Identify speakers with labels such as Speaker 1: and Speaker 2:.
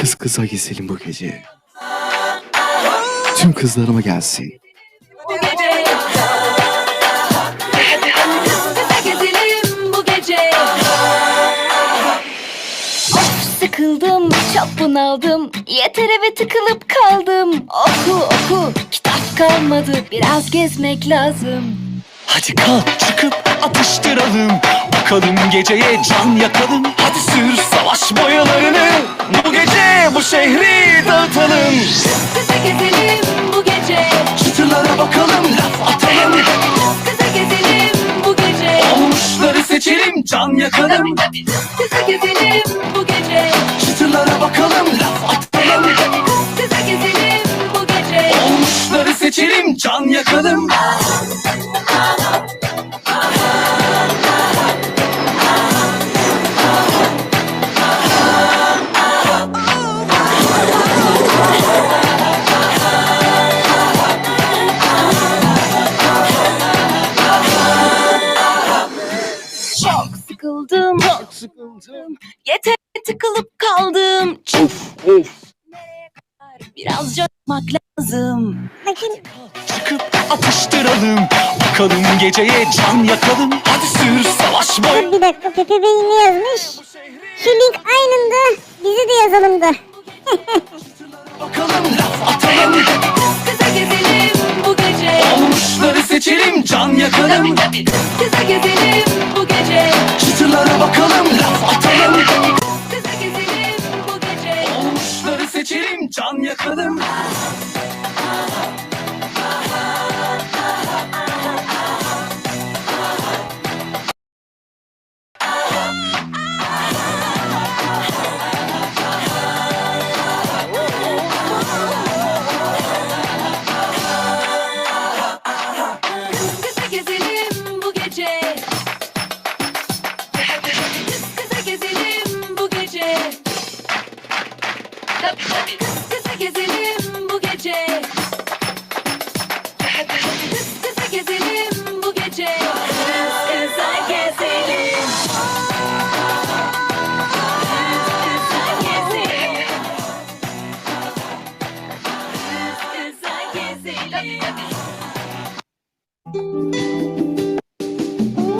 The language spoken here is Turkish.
Speaker 1: Kız kıza gezelim bu gece. Tüm kızlarıma gelsin.
Speaker 2: Bu gece. Kız kıza gezelim bu gece. Of, sıkıldım, çok bunaldım. Yeter eve tıkılıp kaldım. Oku, kitap kalmadı. Biraz gezmek lazım.
Speaker 3: Hadi kalk çıkıp atıştıralım. Bakalım geceye can yakalım. Hadi sür savaş boyalarını. Bu gece bu şehri dağıtalım.
Speaker 2: Kıza gezelim bu gece.
Speaker 3: Çıtırlara bakalım, laf atalım.
Speaker 2: Kıza gezelim bu gece.
Speaker 3: Olmuşları seçelim, can yakalım.
Speaker 2: Kıza gezelim bu gece.
Speaker 3: Çıtırlara bakalım, laf atalım.
Speaker 2: Kıza gezelim bu gece.
Speaker 3: Olmuşları seçelim, can yakalım.
Speaker 2: Çok sıkıldım. Yeter tıkılıp kaldım. Biraz coşmak lazım.
Speaker 3: Çıkıp atıştıralım. Bakalım geceye can yakalım. Hadi sür savaş boy.
Speaker 4: Bir dakika, Pepe Bey ne yazmış? Şu link aynında, bizi de yazalım da.
Speaker 3: Bakalım laf atalım.
Speaker 2: Kıza gezelim bu gece.
Speaker 3: Olmuşları seçelim, can yakalım.
Speaker 2: Kıza gezelim bu gece.
Speaker 3: Çıtırlara bakalım, laf atalım.
Speaker 2: Kıza gezelim bu gece.
Speaker 3: Olmuşları seçelim, can yakalım.